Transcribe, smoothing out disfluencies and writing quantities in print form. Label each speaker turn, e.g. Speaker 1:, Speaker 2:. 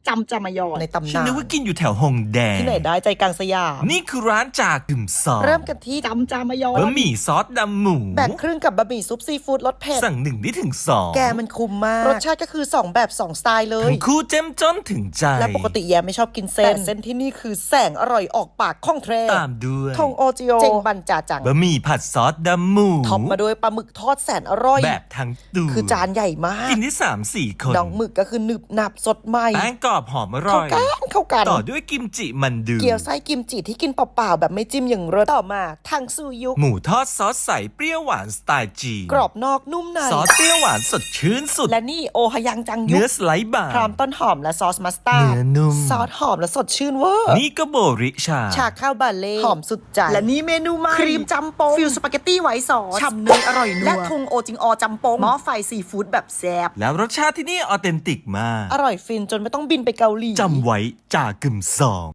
Speaker 1: จำจามายอนในตำ
Speaker 2: ฉัน
Speaker 1: นาน
Speaker 2: นึกว่ากินอยู่แถวฮงแดง
Speaker 1: ที่ไหนได้ใจกลางสยาม
Speaker 2: นี่คือร้านจากกึ่มซอง
Speaker 1: เริ่มกันที่จำจามายอน
Speaker 2: บะหมี่ซอสดำหมู
Speaker 1: แบ่งครึ่งกับบะหมี่ซุปซีฟู้ดรสเผ็ด
Speaker 2: สั่ง1ได้ถึง2
Speaker 1: แกมันคุ้มมากรสชาติก็คือ2แบบ2สไตล์เลย
Speaker 2: ทั้งคู่เจ้มจ้นถึงใจ
Speaker 1: และปกติแย่ไม่ชอบกินเส้นแต่เส้นที่นี่คือแสงอร่อยออกปากข้องแทร
Speaker 2: ตามด้วย
Speaker 1: ทงโอจิโอเจงบันจ่าจัง
Speaker 2: บะหมี่ผัดซอสดำหมู
Speaker 1: ท็อปมาด้วยปลาหมึกทอดแสนอร่อย
Speaker 2: แบบทั้งตัว
Speaker 1: คือจานใหญ่มาก
Speaker 2: กินที่3-4 คน
Speaker 1: ดองหมึกก็คือหนึบหนับสดใหม่
Speaker 2: แป้งกรอบหอมอร่อย
Speaker 1: เข้ากัน
Speaker 2: ต่อด้วยกิมจิมันดู
Speaker 1: เกี๊ยวไส้กิมจิที่กินเปล่าๆแบบไม่จิ้มอย่างเรสต่อมาทางซูยุ
Speaker 2: หมูทอดซอสใสเปรี้ยวหวานสไตล์จีน
Speaker 1: กรอบนอกนุ่มใน
Speaker 2: ซอสเปรี้ยวหวานสดชื่นสุด
Speaker 1: และนี่โอฮยังจังยุ
Speaker 2: เนื้อสไลด์บาง
Speaker 1: พร้อมต้นหอมและซอสมัสตาร์ด
Speaker 2: เนื้อนุ่ม
Speaker 1: ซอสหอมและสดชื่นเวอร์
Speaker 2: นี่ก็โบริชา
Speaker 1: ชาข้าวบาเล่หอมสุดใจ
Speaker 3: และนี่เมนูใหม่
Speaker 1: ครีมจัมโปง
Speaker 3: ฟิลสปาเกตตี้ไวท์ซอส
Speaker 1: ฉ่ำเนยอร่อยนัว
Speaker 3: และทุงโอจิงอจำปงหม้อไฟซีฟู้ดแบบแซ่บ
Speaker 2: แล้วรสชาติที่นี่ออเทนติกมาก
Speaker 1: อร่อยฟินจนไม่ต้องบินไปเกาหลี
Speaker 2: จำไว้จากกึ่มซอง